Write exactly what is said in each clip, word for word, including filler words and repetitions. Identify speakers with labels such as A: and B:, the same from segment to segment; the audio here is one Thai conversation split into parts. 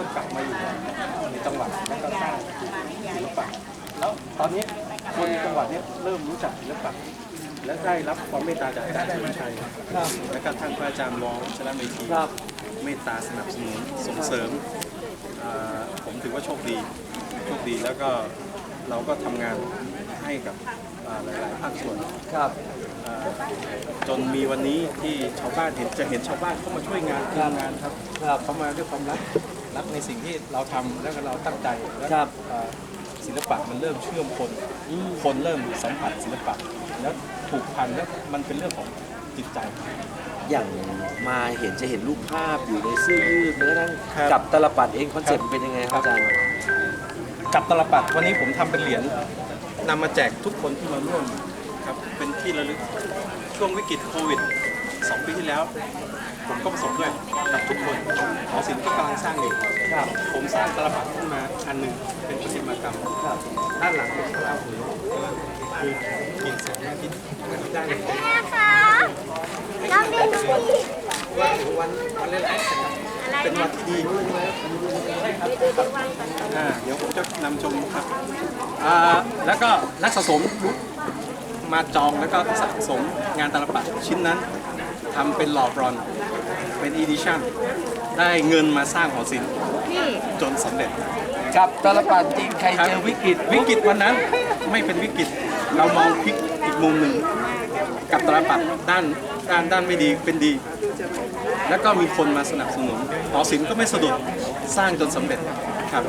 A: ริ่มกลับมาอยู่ในจังหวัดแล้วก็สร้างศิลปะแล้วตอนนี้คนในจังหวัดนี้เริ่มรู้จักศิลปะและได้รับความเมตตาจากอาจารย์ธนชัยและก็ท่านพระอาจารย์วองชลเมธีเมตตาสนับสนุนส่งเสริมผมถือว่าโชคดีโชคดีแล้วก็เราก็ทำงานให้กับหลายๆภาคส่วนครับจนมีวันนี้ที่ชาวบ้านเห็นจะเห็นชาวบ้านเข้ามาช่วยงานทำงานครับเขามาด้วยความรักรักในสิ่งที่เราทำแล้วก็เราตั้งใจแล้วศิลปะมันเริ่มเชื่อมคนคนเริ่มสัมผัสศิลปะแล้วผูกพันแล้วมันเป็นเรื่องของจิตใจ
B: อย่างมาเห็นจะเห็นรูปภาพอยู่ในเสื้อยืดแม้กระทั่งกับตลปัดเองคอนเซ็ปต์เป็นยังไงครับอาจารย์
A: กับตลปัดวันนี้ผมทำเป็นเหรียญนำมาแจกทุกคนที่มาร่วมครับเป็นที่ระลึกช่วงวิกฤตโควิดสองปีที่แล้วผมก็ประสบด้วยกับทุกคนหอศิลป์ก็กำลังสร้างอยู่ผมสร้างตลปัดขึ้นมาอันหนึ่งเป็นประติมากรรมด้านหลังเป็นพระราหูคือกินแสงอาทิตย์ได้เลย
C: แม่คะน้องดินสิ
A: ว่าถึงวันวันเล่นไอซ์เป็นวันที่ดีอ่าเดี๋ยวผมจะนำชมครับอ่าแล้วก็นักสะสมมาจองแล้วก็สะสมงานตลปัดชิ้นนั้นทำเป็นหล่อบรอนซ์เป็นอีดิชั่นได้เงินมาสร้างหอศิลป์จนสำเร็จ
B: กับตลปัดจริงใครเจอวิกฤต
A: วิกฤตวันนั้นไม่เป็นวิกฤตเรามองพลิกอีกมุมหนึ่งกับตลปัดด้านด้านด้านไม่ดีเป็นดีแล้วก็มีคนมาสนับสนุนหอศิลป์ก็ไม่สะดุดสร้างจนสำเร็จครับ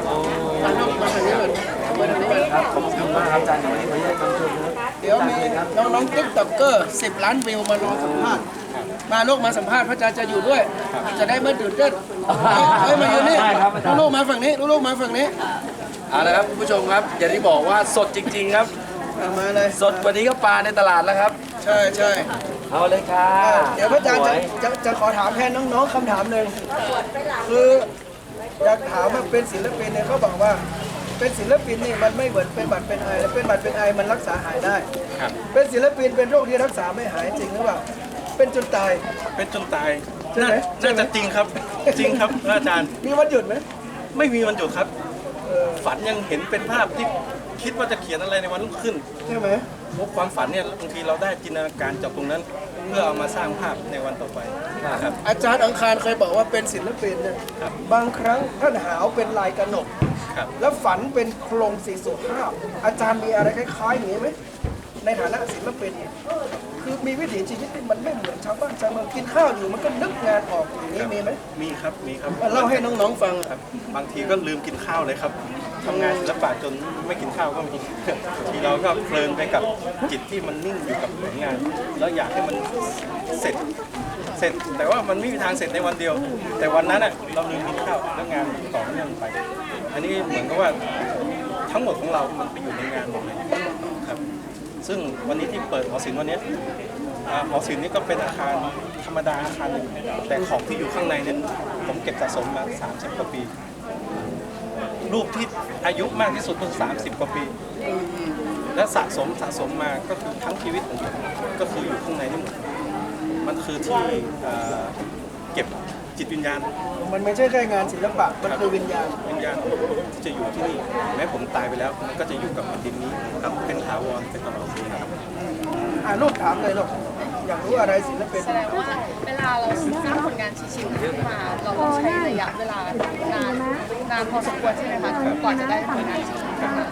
B: ครับขอบคุณมากครับอาจารย์วันนี้ขออนุญาตคำชมนะ
D: เดี๋ยวมีน้องๆติ๊กต็อกเกอร์สิบล้านวิวมารอสัมภาษณ์มาลูกมาสัมภาษณ์พระอาจารย์จะอยู่ด้วยจะได้ไม่ตื่นเต้นเฮ้ยมาอยู่นี่ลูกมาฝั่งนี้ลูกมาฝั่งนี้
B: เอาละครับคุณผู้ชมครับอย่างที่บอกว่าสดจริงๆครับ
D: มาเลย
B: สดวันนี้ก็ปลาในตลาดแล้วครับ
D: ใช่ใช่
B: เอาเลยค่ะ
D: เดี๋ยวพระอาจารย์จะจะจะขอถามแทนน้องๆคำถามหนึ่งคืออยากถามว่าเป็นศิลปินเนี่ยเขาบอกว่าเป็นศิลปินนี่มันไม่เหมือนเป็นบัตรเป็นไอเป็นบัตรเป็นไอมันรักษาหายได้เป็นศิลปินเป็นโรคที่รักษาไม่หายจริงหรือเปล่าเป็นจนตาย
A: เป็นจนตายน่าน่าจะจริงครับจริงครับอาจารย์
D: มีวันหยุดไหม
A: ไม่มีวันหยุดครับฝันยังเห็นเป็นภาพที่คิดว่าจะเขียนอะไรในวันรุ่งขึ้น
D: ใช่ไหม
A: ความฝันเนี่ยบางทีเราได้จินตนาการจากตรงนั้นเพื่อเอามาสร้างภาพในวันต่อไปครับ
D: อาจารย์อังคารเคยบอกว่าเป็นศิลปินเนี่ยบางครั้งท่านหาวเป็นลายกระหนกแล้วฝันเป็นโครงสีสุภาพอาจารย์มีอะไรคล้ายๆอย่างนี้ไหมในฐานะศิลปินคือมีวิถีชีวิตที่มันไม่เหมือนชาวบ้านชาวเมืองกินข้าวอยู่มันก็นึกงานออกอย่างนี้มีไหม
A: มีครับมีครับ
D: เล่าให้น้องๆฟัง
A: ครับบางทีก็ลืมกินข้าวเลยครับทำงานศิลปะจนไม่กินข้าวก็มีทีเราก็เพลินไปกับจิตที่มันนิ่งอยู่กับผลงานแล้วอยากให้มันเสร็จเสร็จแต่ว่ามันไม่มีทางเสร็จในวันเดียวแต่วันนั้นอ่ะเราลืมกินข้าวแล้วงานต่อเนื่องไปอันนี้เหมือนกับว่าทั้งหมดของเรามันไปอยู่ในงานหมดเลยครับซึ่งวันนี้ที่เปิดหอศิลป์วันนี้หอศิลป์นี่ก็เป็นอาคารธรรมดาอาคารหนึ่งแต่ของที่อยู่ข้างในนั้นผมเก็บสะสมมาสามสิบกว่าปีรูปที่อายุมากที่สุดก็สามสิบกว่าปีและสะสมสะสมมาก็คือทั้งชีวิตของผมก็คืออยู่ข้างในนี่หมดมันคือที่เก็บจิตวิญญาณ
D: มันไม่ใช่แค่งานศิลปะมันคือวิญญาณ
A: วิญญาณที่จะอยู่ที่นี่แม้ผมตายไปแล้วมันก็จะอยู่กับดินนี้ครับเป็นถาวรเป็นตลอดปีครับ
D: อ่าลูกถามเลยลูกอยากรู้อะไรศิลปิน
C: แสดงว่าเวลาเราสร้างผลงานชิ้นๆขึ้นมาเราต้องใช้ระยะเวลานานนานพอสมควรใช่ไหมคะกว่าจะได้ผลงานชิ้น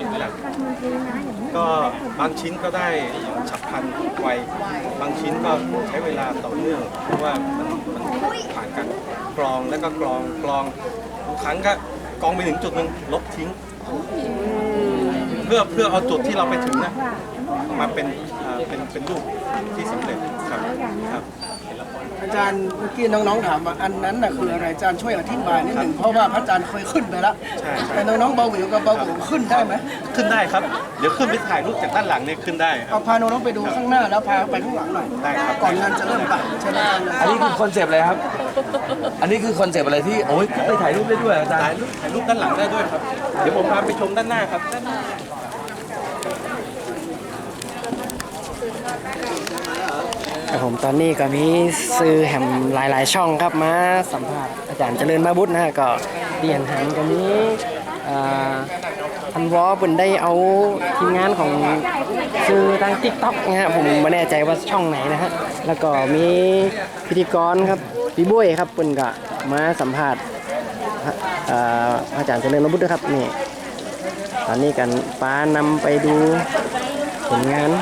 A: ก็บางชิ้นก็ได้ฉับพลันไวบางชิ้นก็ใช้เวลาต่อเนื่องเพราะว่ามันมันผ่านการกรองแล้วก็กรองกรองทุกครั้งก็กรองไปถึงจุดหนึ่งลบทิ้งเพื่อเพื่อเอาจุดที่เราไปถึงนะมาเป็นเป็นเป็นรูปที่สำเร็จครับครับ
D: อาจารย์เมื่อกี้น้องๆถามว่าอันนั้นน่ะคืออะไรอาจารย์ช่วยอธิบายนิดหนึ่งเพราะว่าพระอาจารย์เคยขึ้นไปแล้วแต่น้องๆเบาหวิวกับเบาหวิวขึ้นได้ไหม
A: ขึ้นได้ครับเดี๋ยวขึ้นไปถ่ายรูปจากด้านหลังเนี่ยขึ้นได้
D: เอาพาน้องๆไปดูข้างหน้าแล้วพาไปข้างหลังหน่อย
A: ได้ครับ
D: ก่อนงานจะเริ่มป่ะใช่ไหม
B: อันนี้คือคอนเซปต์อะไรครับอันนี้คือคอนเซปต์อะไรที่โอ้ยไปถ่ายรูปได้ด้วยอาจารย์
A: ถ่ายรูปถ่ายรูปด้านหลังได้ด้วยครับเดี๋ยวผมพาไปชมด้านหน้าครับ
E: ครับผมตอนนี้ก็มีซื้อแหมหลายๆช่องครับมาสัมภาษณ์อาจารย์เจริญมาบุตรนะฮะก็เหรียญหางกันนี้อ่าทันวอเปิ่นได้เอาทีมงานของซื้อทาง ติ๊กต็อก นะฮะผมไม่แน่ใจว่าช่องไหนนะฮะแล้วก็มีพิธีกรครับพี่บุ้ยครับเปิ่นก็มาสัมภาษณ์อ่าอาจารย์เจริญระบุตรด้วยครับนี่ตอนนี้กันป้านำไปดูผลงาน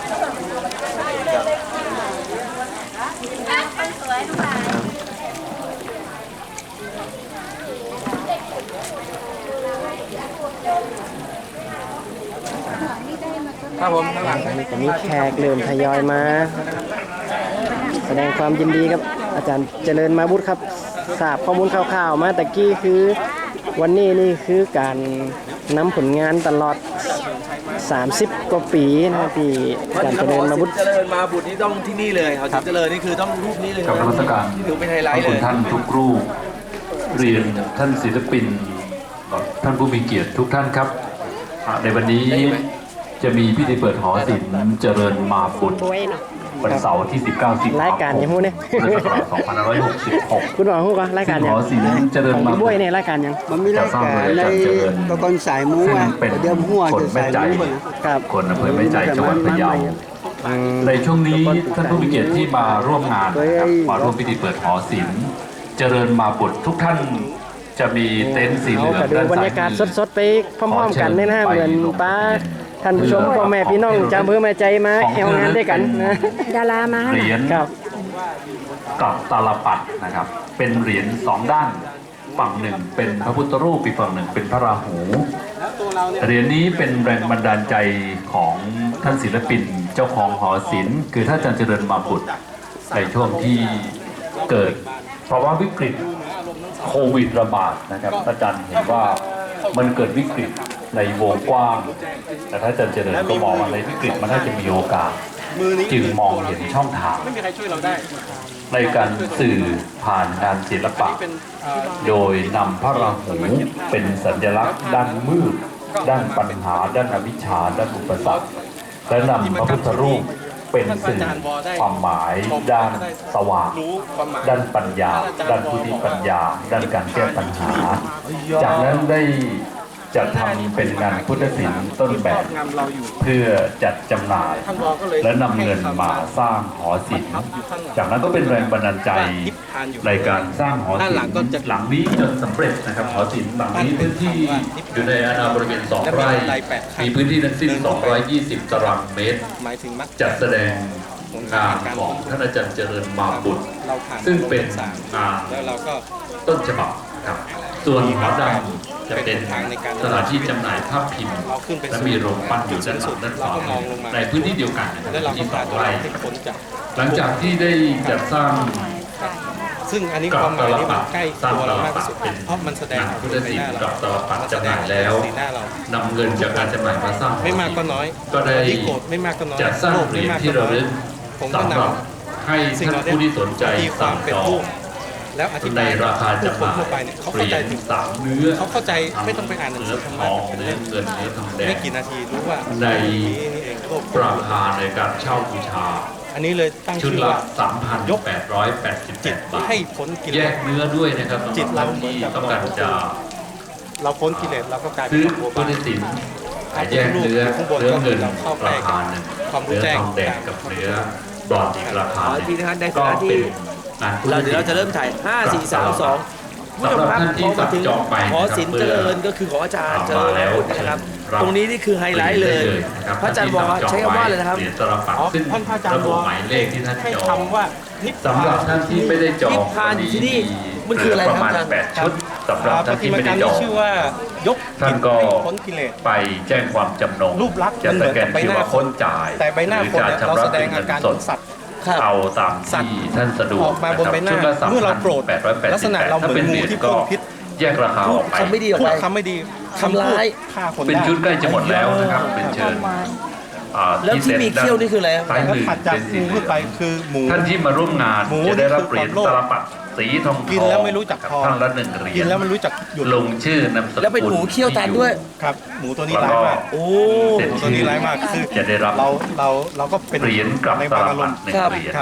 B: ครับผมข้างหลัง
E: อันนี้ก็มีแขกเริ่มทยอยมา แสดงความยินดีกับอาจารย์เจริญมาบุตรครับทราบข้อมูลคร่าวๆมาตะกี้คือวันนี้นี่คือการนำผลงานตลอดสามสิบกว่าปีนะที่อาจารย์เจริญมาบุตร
B: เจริญมาบุตรนี่ต้องที่นี่เลยเขาเจริญนี่คือต้องรูปนี้เลย
F: กับนมัสการ
B: ที่ถือเป็นไฮไล
F: ขอบ
B: ท์เล
F: คุณ
B: ย
F: ท่านทุกรูปเรียนท่านศิลปินท่านผู้มีเกียรติทุกท่านครับอ่าในวันนี้จะมีพิธีเปิดหอศิลป์เจริญมาบุตรวันเสาร์ที่ สิบเก้า สิงหาคม
E: รายการยังพูดเนี่ย
F: พุทธศักราชสองพันห้าร้อยหกสิบหก
E: คุณบอกพูดก็รายการ
F: ซึ่ง
E: ยั
F: ห
E: ง
F: อศิลป์เจริญ
E: ของ
F: มา
E: พี่
F: บุ
E: บุ้
F: ต
E: ย
F: ร
E: ในรายการยัง
G: มันมีรายการในตะกอนสายหมู
F: ซึ่ง
G: อ่ะ
F: เป็น
G: เดี๋ยวหัว
F: คน
G: จะ
F: แม่
G: สาย
F: ใจ
G: หมู
E: ครับ
F: คนอำเภอแม่ใจจังหวัดพะเยา ในช่วงนี้ท่านผู้มีเกียรติที่มาร่วมงานนะครับมาร่วมพิธีเปิดหอศิลป์เจริญมาบุตรทุกท่านจะมีเต็นท์สีเห
E: เอา
F: ลือง
E: ก็ดู
F: ด้าน
E: บร
F: ซ้าร
E: ยากาศ
F: ยมือ
E: สดๆไปพร้อมๆกันเนี่ยนะเหมือนป้าท่านผู้ชมพ่อแม่พี่น้องจำเพื่อแม่ใจมาแอวงานด้วยกันนะ
H: ดารามา
F: เหรียญ
E: ครับ
F: กับตาลปัดนะครับ เป็นเหรียญสองด้านฝั่งหนึ่งเป็นพระพุทธรูปอีกฝั่งหนึ่งเป็นพระราหูเหรียญนี้เป็นแรงบันดาลใจของท่านศิลปินเจ้าของหอศิลป์คือท่านอาจารย์เจริญมาบุตรในช่วงที่เกิดภาวะวิกฤตโควิดระบาดนะครับอาจารย์เห็นว่ามันเกิดวิกฤตในวงกว้างแต่ท่านอาจารย์เจริญก็มองว่าในวิกฤตมันน่าจะมีโอกาสจึงมองเห็นช่องทาง
A: ไม่มีใครช่วยเราได้
F: ในการสื่อผ่านงานศิลปะ โดยนำพระราหูเป็นสัญลักษณ์ด้านมืด ด้านปัญหา ด้านอวิชชา ด้านอุปสรรค และนำพระพุทธรูปเป็นสื่อความหมายด้านสว่าง ด้านปัญญา ด้านพุทธิปัญญา ด้านการแก้ปัญหา จากนั้นได้จัดทำเป็นงานพุทธศิลป์ต้นแบบ เพื่อจัดจำหน่าย และนำเงินมาสร้างหอศิลป์ จากนั้นก็เป็นแรงบันดาลใจในการสร้างหอศิลป์หลังนี้จนสำเร็จนะครับหอศิลป์หลังนี้พื้นที่อยู่ในอาณาบริเวณสองไร่มีพื้นที่ทั้งสิ้นสองร้อยยี่สิบตารางเมตร
A: หมายถึงมัด
F: จัดแสดงงานของท่านอาจารย์เจริญมาบุตร
A: เราผ่าน
F: ซึ่งเป็นงาน
A: แล้วเราก็
F: ต้นฉบับนะครับส่วนหอดำจะเป็นสถานที่จำหน่ายภาพพิมพ์และมีโรงปั้นอยู่ด้านหลังด้านขวาในพื้นที่เดียวกันนะครับ
A: แล้วเราก็
F: ที่ส
A: ผ่า
F: อน ง
A: ตัว
F: ไร่
A: เราให้พ้นจาก
F: หลังจากที่ได้จัดสร้าง
A: ซึ่งอันนี้
F: กับ
A: ความห
F: ต
A: มาย
F: ล
A: นี่มั
F: ปั
A: น
F: ด
A: ใกล้
F: สร้าง
A: ตัว
F: ต
A: เรา
F: ล
A: มาก
F: ปั
A: ที่
F: ด
A: สุด
F: เป็น
A: เพราะมันแสดง
F: งาน
A: ออก
F: พุทธ
A: ใน
F: ศิล
A: หน้า
F: ป์
A: เรา
F: กับตลปัดจำหน่ายแล้ว
A: สีหน้าเรา
F: นำเงินจากการจำหน่ายมาสร้างหอ
A: ไม่มาก
F: ศิ
A: ก็
F: ลป์
A: น้อย
F: ก็ได้
A: ที่โกรธไม่มากก็น้อย
F: จัดสร้าง
A: โลภ
F: เหรี
A: ไม่
F: ยญ
A: มาก
F: ที่
A: ก็
F: ระ
A: น้อ
F: ลึ
A: ย
F: ก
A: ผมก็
F: สำ
A: น
F: หรับให้
A: ำสิ่ง
F: ท่าน
A: เหล่านี้
F: ผู้ที่สนใจ
A: ตีควา
F: สั่
A: ม
F: ง
A: เป็น
F: จอ
A: รู
F: ง
A: ปแล้วอธิ
F: ใน
A: บาย
F: ราคา
A: ผู้
F: จำ
A: ค
F: ห
A: น
F: น่าย
A: ทั่วไปเนี่ยเขา
F: เหรี
A: เข้าย ใจ
F: ญ
A: ถึง
F: สามเนื้อ
A: เขาเข้าใจไม่ต้องไปอ่านหนัง
F: เนื้
A: สื
F: อ
A: อธรร
F: ท
A: มะ
F: อง
A: เป็น
F: เนื้
A: เล่
F: อ
A: ม
F: เงินเนื้อทองแด
A: ไม่
F: ง
A: กี่นาทีรู้ว่า
F: ใน
A: นี่นี่เองโลภ
F: ราคาในการเช่าบูชา
A: อันนี้เลยตั้ง
F: ชุด
A: ชื่อ
F: ละ
A: ว่า
F: สามพันแปดร้อยแปดสิบ
A: จิ
F: เจ็
A: ต
F: ดบาท
A: ให้พ้นกิเล
F: แย
A: ส
F: กเนื้อด้วยนะครับ
A: จิตเรา
F: สำหบท่นที่ต้องการจะ
A: เราพ้นกิเลสเราก็กลายเป็
F: ซื้
A: น
F: อ
A: โบบา
F: พุทธศิลป์แยกเนื้อ
A: ข้างบน
F: เนื้อ
A: ก็คื
F: เงิ
A: อน เราเข้าใกล้
F: ราคาหนึ่ง
A: ความรู้
F: เนื้อ
A: แจ้ง
F: ทองแดงกับเนื้อบรอนซ์อีกราคา
B: ขอ
F: ห
B: อีกที
F: นึ่ง
B: นะครับใน
F: ก็
B: ฐานะที่
F: เป็นงานพุทธ
B: เรา
F: ศิ
B: เดี๋ยว
F: ล
B: เรา
F: ป์
B: จะเริ่มถ่ายห้า สี่ สาม สอง
F: สำหรับท่านที่สั่งจองไป
B: หอ
F: นะครับ
B: ศิลป์
F: เพื่
B: เจ
F: อ
B: ริญก็คือของอาจารย์เจริญ
F: มาแล้ว
B: พุทธนะครับ
F: รับ
B: ตรงนี้นี่คือไฮไลท์เลย
F: ได้นะครับ
B: พระอาจารย์บอกว่าใช้คำว่าอะไรนะครับ
F: เหรียญตลับปัด
A: อ๋อ
F: ซึ่ง
A: ท่านพระอาจารย์
F: ระบุ
A: บอก
F: หมายเลขที่ท่าน
A: ให้
F: จอง
A: คำว่านิพพาน
F: สำหรับท่านที่ไม่ได้จอง
B: นิพพานอยู่ที่นี่มันคืออะไร
F: ประมาณ
B: ครับอาจารย์
F: แปดชุดสำหรับ
A: ป
F: ท่าน
A: ฏิ
F: ที่
A: มากร
F: ไม่ได้
A: รม
F: จอ
A: นี้
F: ง
A: ชื่อว่ายก
F: ท่านก็
A: ให้พ้นกิเลส
F: ไปแจ้งความจำนง
A: รูปลักษณ์
F: จะ
A: มันเห
F: ส
A: มือน
F: แก
A: กับ
F: น
A: ใบ
F: คิ
A: ห
F: ว
A: น้า
F: อาร์
A: ค
F: โค้
A: น
F: ดจ่าย
A: แต่ใบหน้า
F: รือ
A: คน
F: จะ
A: เนี่ยเรา
F: ชำระ
A: แสด
F: เป็
A: ง
F: น
A: อา
F: เงิน
A: การ
F: ส
A: ข
F: ด
A: องสัตว์
B: ครับ
F: เอาตาม
A: สัตว์
F: ที่ท่านสะดวก
A: ออกมาบนใบหน้า
F: ชุดละ
A: เมื่อเราโกรธ
F: แปดร้อยแปด
A: ลัก
F: สิ
A: ษ
F: บ
A: ณะ
F: แปด
A: เราเหมื
F: ถ้า
A: อน
F: เป็น
A: งู
F: เหรียญ
A: ที่
F: ก็
A: พ่นพิษ
F: แยกราคาออกไป
B: คำไม่ดีออก
A: พู
B: ไป
A: ดคำไม่ดี
B: ทำร้าย
A: ฆ่าคน
F: เป็น
A: ได้
F: ชุดใกล้จะหมดแล้วนะครับเป็นเชิญอ่า
B: แล้วที่มีเขี้ยวนี่คืออะไรครับ
F: ซ้าย
A: แล้ว
F: มือ
A: ถัดจาก
F: เป็นสี
A: งู
F: เหลื
A: ขึ้นไป
F: อง
A: คือหมู
F: ท่านที่มาร่วมงาน
A: หมู
F: จะได้รับเหรียญ
A: นี่คือ
F: ต
A: ความโลภ
F: ลับปัดสีทองทอง
A: กินแล้วไม่รู้จักพอ
F: ท่านละหนึ่งเหรียญ
A: กินแล้วมันรู้จักหยุด
F: ลงชื่อนามสกุล
B: แล้วเป็นหมูเขี้ยวตันด้วย
A: ครับ หมูตัวนี้
F: แล้ว
A: ร้าย
F: ก็
A: มาก
B: โอ้
F: เสร็จ
A: หมูตัวนี้ร้ายมากคือ
F: จะได้รับ
A: เราเราเราก็เป็น
F: เหรียญกลับ
A: ใน
F: ต
A: บาง
F: ลั
A: อา
F: บ
A: ร
F: ปั
A: ม
F: ด
A: ณ์
F: หนึ่ง
B: ครับ
F: เหรียญ
A: ครับ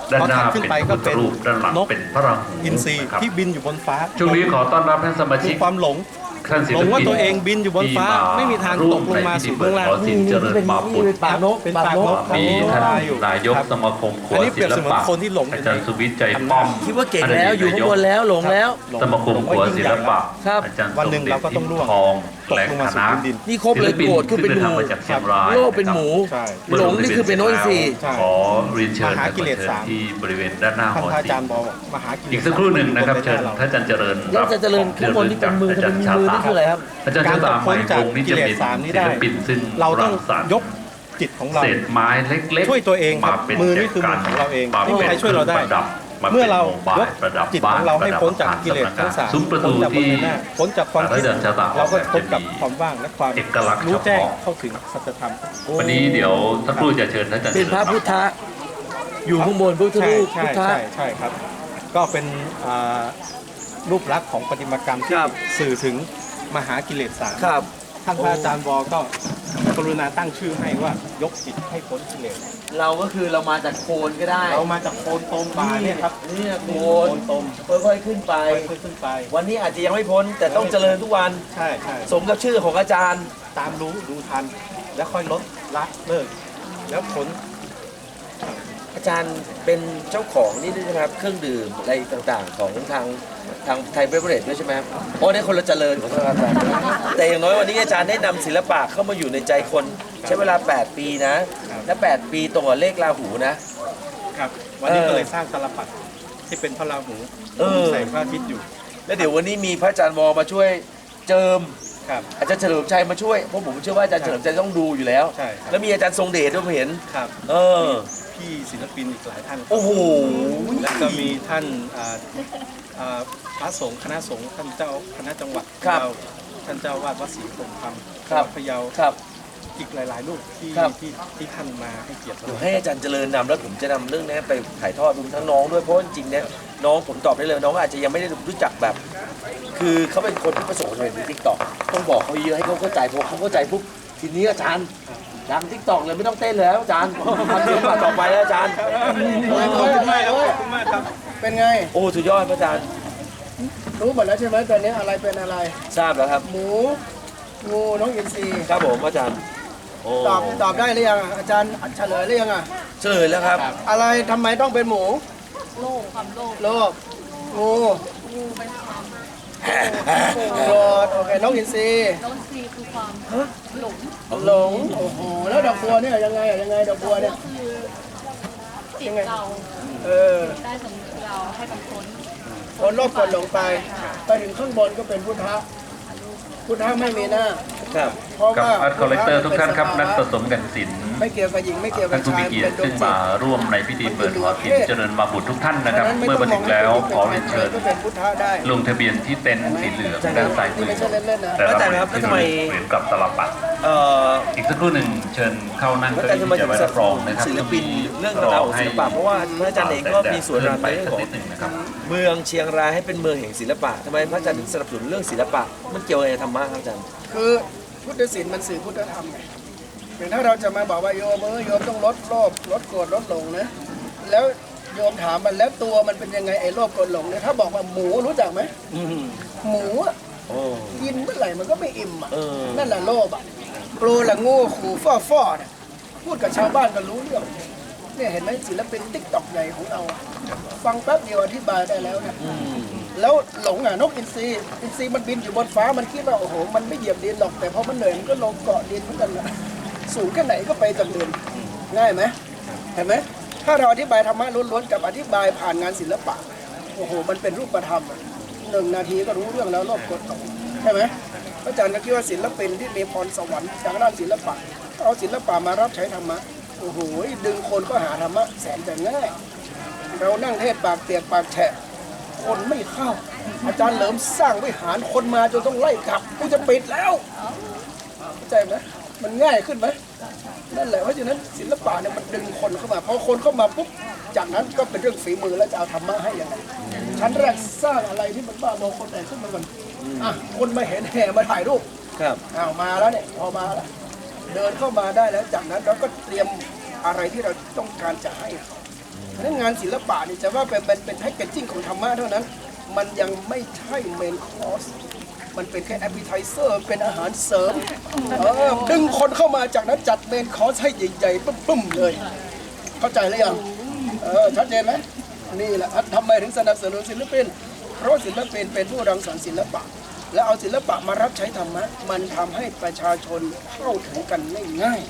F: ด้าน
A: พอ
F: หน้า
A: ถัดขึ้น
F: เป็น
A: ไป
F: พุ
A: ก็
F: ทธ
A: เป็น
F: รูปด้านหลัง
A: นก
F: เป็นพระราหู
A: อินทรี
F: นะครับ
A: ที่บินอยู่บนฟ้า
F: ช่วงนี้ขอต้อนรับท่านสมาชิ
A: คื
F: ก
A: อความหลง
F: ท่านศิล
A: หลง
F: ปิ
A: ว่าน ตัวเองบินอยู่บนฟ้า
F: ที่
A: ไม่มีทางตกลงมาสู่เบื้องล่าง
F: ขอสินเจริญมาปุต
B: เป็นปากนก
A: เป็น
B: ปาก
A: ปาก
B: น
A: น
B: ก
A: ก
F: มีท่าน
A: อยู่
F: นายก
A: ครับ
F: สมาคมครัว
A: อันนี้เปรี
F: ศิ
A: ยบ
F: ล
A: เสมือน
F: ปะ
A: คนที่หลงอยู่
F: อาจารย์
A: ใน
F: สุวิทย์ใจป้อม
B: คิดว่าเก่งแล้วอยู่ข้างบนแล้วหลงแล้ว
F: สมาคมครัวศิลปะ
B: ครับ
F: อาจารย์
A: วันหนึ่งเราก็ต้องร่วง
F: ทอง
A: ตก
F: และ
A: ลง
F: ค
A: มาสู่
F: ณะ
A: พื้นดิน
B: นี่ครบเลยโกรธคือเป็นหมู
F: ศิลปินที่ดินทางมาจากเชียงราย
B: โลกเป็นหมู
A: ใช่
B: หลงนี่คือเป็นโน้นสี่
A: ใช่
F: ขอเรียนเชิญ
A: มหากิเลส
F: และขอ
A: สาม
F: เชิญที่บริเวณด้านหน้าห
A: ท่าน
F: อ
A: พระอา
F: ศิล
A: จารย์
F: ป์
A: บอกว่า มหากิเลส
F: อีกสักครู่หนึ่งนะครับ
A: อยู่
F: เชิญ
A: ใา
F: ท่านอาจารย์เจริญ
B: แล้วอาจารย์เจริญข้างบนนี่เป็นมือ
F: อาจารย์
B: ทำไมมีมือนี่คืออะไรครับ
F: อาจารย์ชาตาหมายวงนี้จะเป็น
A: การตกพ้นจากกิเลสสามนี้
F: ศิ
A: ได้
F: ลปินซึ่ง
A: เราต้อง
F: งสรรค์
A: ยกจิตของเรา
F: เศษไม้เล็กๆ
A: ช่วยตัวเองครับ
F: มาเป็น
A: มือนี่คือมือของเราเอง
F: มา
A: ไม่มีใครช่วยเราได้
F: ประดับ
A: เมื่อเรา
F: ป็นโมบ
A: ย
F: ย
A: ก
F: ประดับ
A: จิตของเราให้
F: บ้
A: พ้นจาก
F: ประดับ
A: กิเลสทั้งสาม
F: ซุ้มประตู
A: พ้นจากบน
F: ที่
A: ใบหน้าพ้นจากความคิด
F: อาจารย์ชาตา
A: เราก็พ้นกับ
F: จะมี
A: ความว่างและความ
F: เอกลักษณ์
A: รู้แจ้ง
F: เฉพาะ
A: เข้าถึงสัจธรรม
F: วันนี้เดี๋ยวท่านครูจะเชิญท่านอาจารย์
B: เป็นพระพุทธะอยู่ข้างบนพุทธ
A: ใช่
B: รูป
A: ใช่
B: พุทธะ
A: ใช่ใช่ครับ ก็เป็นอ่ารูปลักษณ์ของประติมากรรมที่
B: ครับ
A: สื่อถึงมหากิเลสสาม
B: ครับ
A: ท่านพระอาจารย์วอก็กรุณาตั้งชื่อให้ว่ายกจิตให้พ้นกิเลส
B: เราก็คือเรามาจากโคนก็ได้
A: เรามาจากโคนตมบาเนี่ยครับ
B: นี่โค
A: โคน นตม
B: ค่อยๆขึ้นไป
A: ค่อยๆขึ้นไป
B: วันนี้อาจจะยังไม่พ้นแต่ต้องเจริญทุกวัน
A: ใช่ใช่
B: สมกับชื่อของอาจารย์
A: ตามรู้ดูทัน แล้วค่อยลดละเลิกแล้วพ้น
B: อาจารย์เป็นเจ้าของนี่ด้วยนะครับเครื่องดื่มอะไรต่างๆ ของทางทางไทยเบเวอร์เรจด้วยใช่ไหมครับโอ้ในคนละเจริญของอาจารย์แต่อย่างน้อยวันนี้อาจารย์ได้นำศิลปะเข้ามาอยู่ในใจคนใช้เวลา แปด ปีนะ และ แปด ปีตรงกับเลขราหูนะ
A: ครับ วันนี้
B: เออ
A: ก็เลยสร้างตาลปัดที่เป็นพระราหู
B: เออ
A: ใส่พระอาทิตย์อยู่
B: แล้วเดี๋ยววันนี้มีพระอาจารย์วอมาช่วยเจิม
A: ครับ
B: อาจารย์เฉลิมชัยมาช่วยเพราะผมเชื่อว่าอาจารย์เฉลิมชัยต้องดูอยู่แล้ว
A: ใช่ครับ
B: แล้วมีอาจารย์ทรงเดชด้วยผมเห็น
A: ครับ
B: เออ
A: พี่ศิลปินอีกหลายท่าน
B: โอ้โห
A: แล้วก็มีท่านอ่าอ่าพระสงฆ์คณะสงฆ์ท่านเจ้าคณะจังหวัด
B: ครับ
A: เราท่านเจ้าวาดวัดศรีคงคำ
B: ครับ
A: พะเยา
B: ครับ
A: อีกหลาย ๆ รูปที่
B: ครับ
A: ที่ที่ท่านมาให้เกียรติ
B: เดี๋ยว
A: เรา
B: ให้อาจารย์เจริญนำแล้วผมจะนำเรื่องนี้ไปถ่ายทอดรวมทั้งน้องด้วยเพราะว่าจริงๆเนี่ยน้องผมตอบได้เลยน้องอาจจะยังไม่ได้รู้จักแบบ คือเขาเป็นคนที่ประสบความสำเร็จในทิกตอกต้องบอกเขาเยอะให้เขาเข้าใจพอเขาเข้าใจปุ๊บทีนี้อาจารย์ดังทิกตอกเลยไม่ต้องเต้นแล้วอาจารย์ทำเรื่องมาต่อไปแล้วอาจารย์
A: ขอบคุณมากครับขอบคุณมากครับ
D: เป็นไง
B: โอ้สุดยอดพระอาจารย์
D: รู้หมดแล้วใช่ไหมตอนนี้อะไรเป็นอะไร
B: ทราบแล้วครับ
D: หมู งูน้องอินทรี
B: ครับผมอาจารย์โอ้
D: ตอบตอบได้หรือยังอ่ะอาจารย์เฉลยหรือยังอ่ะ
B: เฉลยแล้วครับ
D: อะไรทำไมต้องเป็นหมู
C: โลภความโลภ
D: โลภงู
C: งูเป็นความ
D: โกรธโอเคน้องอินทรี
C: โลภซีคือความหลง
D: หลงโอ้โหแล้วดอกบัวเนี่ยยังไงอ่ะยังไงดอกบัวเนี่ย
C: คือจิตเรา
D: เออ
C: ได้สำนึกเราให้มันพ้น
D: คนโลภกดหลงไปไปถึงข้างบนก็เป็นพุทธะพุทธะไม่มีหน้า
B: ครับ
D: เพราะ
F: กับ
D: ว่า
F: อาร์ตคอลเลกเตอร์ทุกท่านครับนักผสมกันศิลป์
D: ไม่เกี่ยวกับหญิงไม่เกี่ยวกั
F: ท่า
D: บ
F: นผู้
D: ชา
F: มี
D: ย
F: เกียร
D: เป็
F: ติ
D: นดว
F: ซึ่
D: ง
F: ง
D: จิต
F: มาร่วมในพิธีเปิดหอศิลป์เจริญมาบุตรทุกท่านนะครับ เมื่อมาถึงแล้วขอเรียนเชิญ
D: ก็เป็นพุทธะได้
F: ลงทะเบียนที่เต็นท์สีเหลืองด้านซ้ายมือ
D: ไม่ใช่เล่นๆนะ
F: แต่ละ
B: อาจารย์ครับแล้วทำไม
F: เหมือนกับตลับปัด
B: เอ่อ
F: อีกสักครู่หนึ่งเชิญเข้านั่ง
B: พระ
F: เก้า
B: อาจารย์
F: อี้
B: จะมา
F: จะ
B: ถึง
F: ไว้รับรองนะครับ
B: ศิลปินเรื่องราวของศิลปะเพราะว่าพระอาจารย์เองก็มีส่วน
F: เดิ
B: ใน
F: นไป
B: เรื่อง
F: สัก
B: ของ
F: นิดหนึ่งนะครับ
B: เมืองเชียงรายให้เป็นเมืองแห่งศิลปะทำไมพระอาจารย์ถึงสนับสนุนเรื่องศิลปะมันเกี่ยวอะไรกับธรรมะครับอาจารย์
D: คือพุทธศีลมันสื่อพุทธธรรมไงอย่างถ้าเราจะมาบอกว่าโยมเออโยมต้องลดโลภลดโกรธลดหลงนะแล้วโยมถามมันแล้วตัวมันเป็นยังไงไอ้โลภโกรธหลงเนี่ยถ้าบอกว่าหมูรู้จักไหม
B: อืม
D: หมูอะ
B: โอ้
D: กินเมื่อไหร่มันก็ไม่อิ่มอ่ะ
B: เออ
D: นั่นแหละโลภอ่ะโกรธละโง่ขู่ฟ้อฟ้อเนี่ยพูดกับชาวบ้านก็รู้เรื่องเนี่ยเห็นไหมศิลปินติ๊กต็อกใหญ่ของเราอะฟังแป๊บเดียวอธิบายได้แล้วเนี่ย
B: อืม
D: แล้วหลงอ่ะนกอินทรีอินทรีมันบินอยู่บนฟ้ามันคิดว่าโอ้โหมันไม่เหยียบดินหรอกแต่พอมันเหนื่อยมันก็ลงเกาะดินเหมือนกันนะสูงแค่ไหนก็ไปจากดินง่ายไหมเห็นไหมถ้าเราอธิบายธรรมะล้วนๆกับอธิบายผ่านงานศิลปะโอ้โหมันเป็นรูปธรรมอะหนึ่งนาทีก็รู้เรื่องแล้วโลภกดหลงใช่ไหมพระอาจารย์ก็คิดว่าศิลปินที่มีพรสวรรค์ทางด้านศิลปะเอาศิลปะมารับใช้ธรรมะโอ้โหดึงคนก็หาธรรมะแสนจะง่ายเรานั่งเทศปากเปียกปากแฉะคนไม่เข้า อาจารย์เหลิมสร้างวิหารคนมาจนต้องไล่กลับกูจะปิดแล้วเข้าใจไหมมันง่ายขึ้นไหมนั่นแหละเพราะฉะนั้นศิลปะเนี่ยมันดึงคนเข้ามาพอคนเข้ามาปุ๊บจากนั้นก็เป็นเรื่องฝีมือแล้วจะเอาธรรมะให้ยังไงชั้นแรกสร้างอะไรที่มันบ้าบอคนไหนขึ้นมาก่อนอ่ะคนมาเห็นแห่มาถ่ายรูป
B: ครับ
D: อ้าวมาแล้วเนี่ยพอมาแล้วเดินเข้ามาได้แล้วจากนั้นเราก็เตรียมอะไรที่เราต้องการจะให้เขาเพราะฉะนั้นงานศิลปะนี่จะว่าเป็นเป็นเป็นแพ็กเกจจิ้งของธรรมะเท่านั้น มันยังไม่ใช่เมนคอร์สมันเป็นแค่แอปเปิลไทเซอร์เป็นอาหารเสริมเออดึงคนเข้ามาจากนั้นจัดเมนคอร์สให้ใหญ่ๆปุ้มๆเลย เข้าใจหรือยังเออชัดเจนไหมนี่แหละทำไมถึงสนับสนุนศิลปินเพราะศิลปินเป็นผู้รังสรรค์ศิลปะ แล้วเอาศิลปะมารับใช้ธรรมะมันทำให้ประชาชนเข้าถึงกันง่าย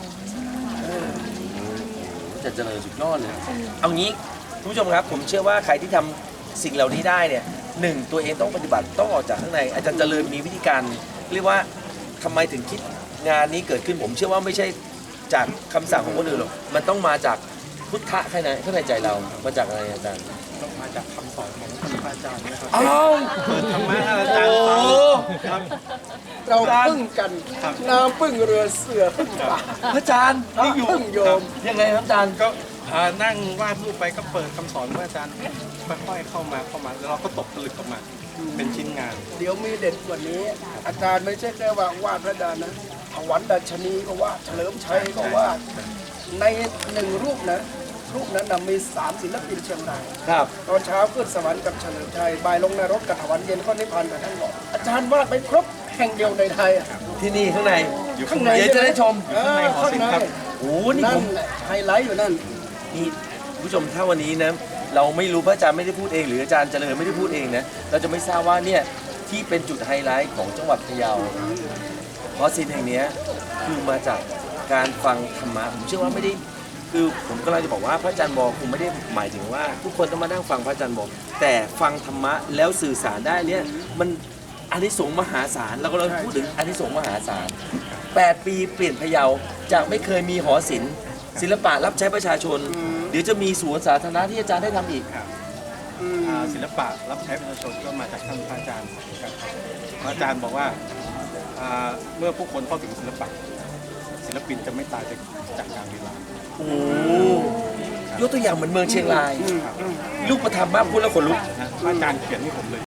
B: จะเจริญสุดยอดเลย เอางี้คุณผู้ชมครับผมเชื่อว่าใครที่ทำสิ่งเหล่านี้ได้เนี่ยหนึ่งตัวเองต้องปฏิบัติต้องออกจากข้างในอาจารย์เจริญมีวิธีการเรียกว่าทำไมถึงคิดงานนี้เกิดขึ้นผมเชื่อว่าไม่ใช่จากคำสั่งของคนอื่นหรอกมันต้องมาจากพุทธะข้างในข้างในใจเรามาจากอะไรอาจารย์
A: ต้องมาจากคำสอนของท่านพระอาจารย์นะครับ
B: อ้าว
A: เปิดธรรมะให้อาจารย์ฟังครับ
D: ๆ เราพึ่งกันน้ำพึ่งเรือเสือพึ่งป่า
B: พระอาจารย์
D: พระพึ่งโยม
B: ยังไงครับอาจารย์
A: ก็อ่านั่งวาดรูปไปก็เปิดคำสอนพระอาจารย์ค่อยๆเข้ามาเข้ามาแล้วเราก็ตกผลึกออกมาเป็นชิ้นงาน
D: เดี๋ยวมีเด็ดกว่านี้ อาจารย์ไม่ใช่แค่ว่าวาดพระดานะถวันดัชนีก็วาดเฉลิมชัยก็วาดในหนึ่งรูปนะรูปนั้นนะมีสามศิลปินเชียงราย
B: ครับ
D: ตอนเช้าขึ้นสวรรค์กับเฉลิมชัยบ่ายลงนรกกับถวันเย็นก็นิพพานกับท่านบอกอาจารย์วาดไปครบแห่งเดียวในไทยอะ
B: ที่นี่ข้างใน
A: อยู่ข้างใน
B: เดี๋ยวจะได้ชม
D: เออข้างใน
B: โอ้โหนี่
D: นั่
B: ผ
D: น
B: ม
D: แหละไฮไลท์อยู่นั่น
B: นี่ผู้ชมถ้าวันนี้นะเราไม่รู้พระอาจารย์ไม่ได้พูดเอง หรืออาจารย์เจริญไม่ได้พูดเองนะเราจะไม่ทราบว่าเนี่ยที่เป็นจุดไฮไลท์ของจังหวัดพะเยาเพราะสิ่งแห่งเนี้ยคือมาจากการฟังธรรมะผมเชื่อว่าไม่ได้คือผมกำลังจะบอกว่าพระอาจารย์บอกคงไม่ได้หมายถึงว่า ทุกคนต้องมานั่งฟังพระอาจารย์บอกแต่ฟังธรรมะแล้วสื่อสารได้เนี่ยมันอานิสงส์มหาศาลเราก็เราพูดถึงอานิสงส์มหาศาลแปดปีเปลี่ยนพะเยาจากไม่เคยมีหอศิลป์ศิลปะรับใช้ประชาชนเดี๋ยวจะมีสวนสาธารณะที่อาจารย์ได้ทำอีก
A: อ่าศิลปะรับใช้ประชาชนก็มาจากท่านพระอาจารย์ครับพระอาจารย์บอกว่าอ่าเมื่อผู้คนเข้าถึงศิลปะศิลปินจะไม่ตายจากจากการเวลา
B: โอ้ยกตัวอย่างเหมือนเมืองเชียงรายลูกประทับมากพูดแล้วขนลุก
A: นะพระอาจารย์เขียนให้ผมเลย